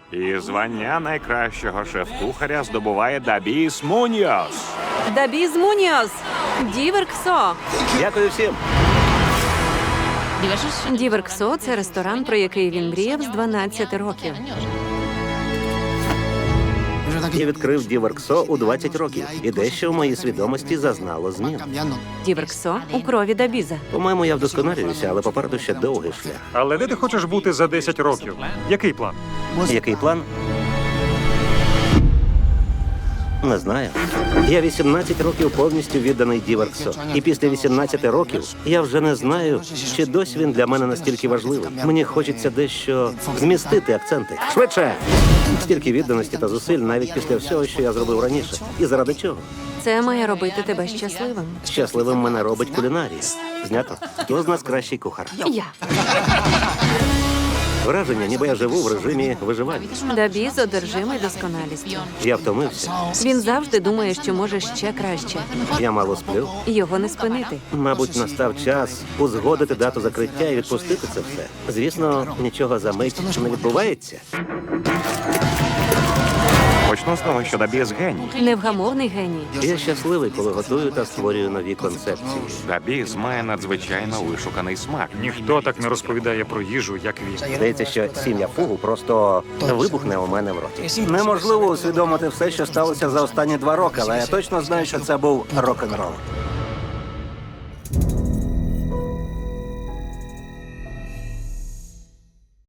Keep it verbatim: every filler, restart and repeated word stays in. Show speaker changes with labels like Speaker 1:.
Speaker 1: І звання найкращого шеф-кухаря здобуває Дабіс Муньйос.
Speaker 2: Дабіс Муньйос! Діверксо!
Speaker 3: Дякую всім.
Speaker 2: Діверксо – це ресторан, про який він мріяв з дванадцяти років.
Speaker 3: Я відкрив Діверксо у двадцять років, і дещо в моїй свідомості зазнало змін.
Speaker 2: Діверксо у крові Дабіза.
Speaker 3: По-моєму, я вдосконалююся, але попереду ще довгий шлях.
Speaker 4: Але де ти хочеш бути за десять років? Який план?
Speaker 3: Який план? Не знаю. Я вісімнадцять років повністю відданий Діверксо. І після вісімнадцяти років я вже не знаю, чи досі він для мене настільки важливий. Мені хочеться дещо змістити акценти. Швидше! Стільки відданості та зусиль навіть після всього, що я зробив раніше. І заради чого?
Speaker 2: Це має робити тебе щасливим.
Speaker 3: Щасливим мене робить кулінарія. Знято. Хто з нас кращий кухар?
Speaker 2: Я.
Speaker 3: Враження, ніби я живу в режимі виживання.
Speaker 2: Дабіз одержимий досконалістю.
Speaker 3: Я втомився.
Speaker 2: Він завжди думає, що може ще краще.
Speaker 3: Я мало сплю.
Speaker 2: Його не спинити.
Speaker 3: Мабуть, настав час узгодити дату закриття і відпустити це все. Звісно, нічого за мить не відбувається.
Speaker 1: Почну з того, що Дабіс геній.
Speaker 2: Невгамовний геній.
Speaker 3: Я щасливий, коли готую та створюю нові концепції.
Speaker 1: Дабіс має надзвичайно вишуканий смак.
Speaker 4: Ніхто так не розповідає про їжу, як він.
Speaker 3: Здається, що сім'я фугу просто вибухне у мене в роті. Неможливо усвідомити все, що сталося за останні два роки, але я точно знаю, що це був рок-н-рол.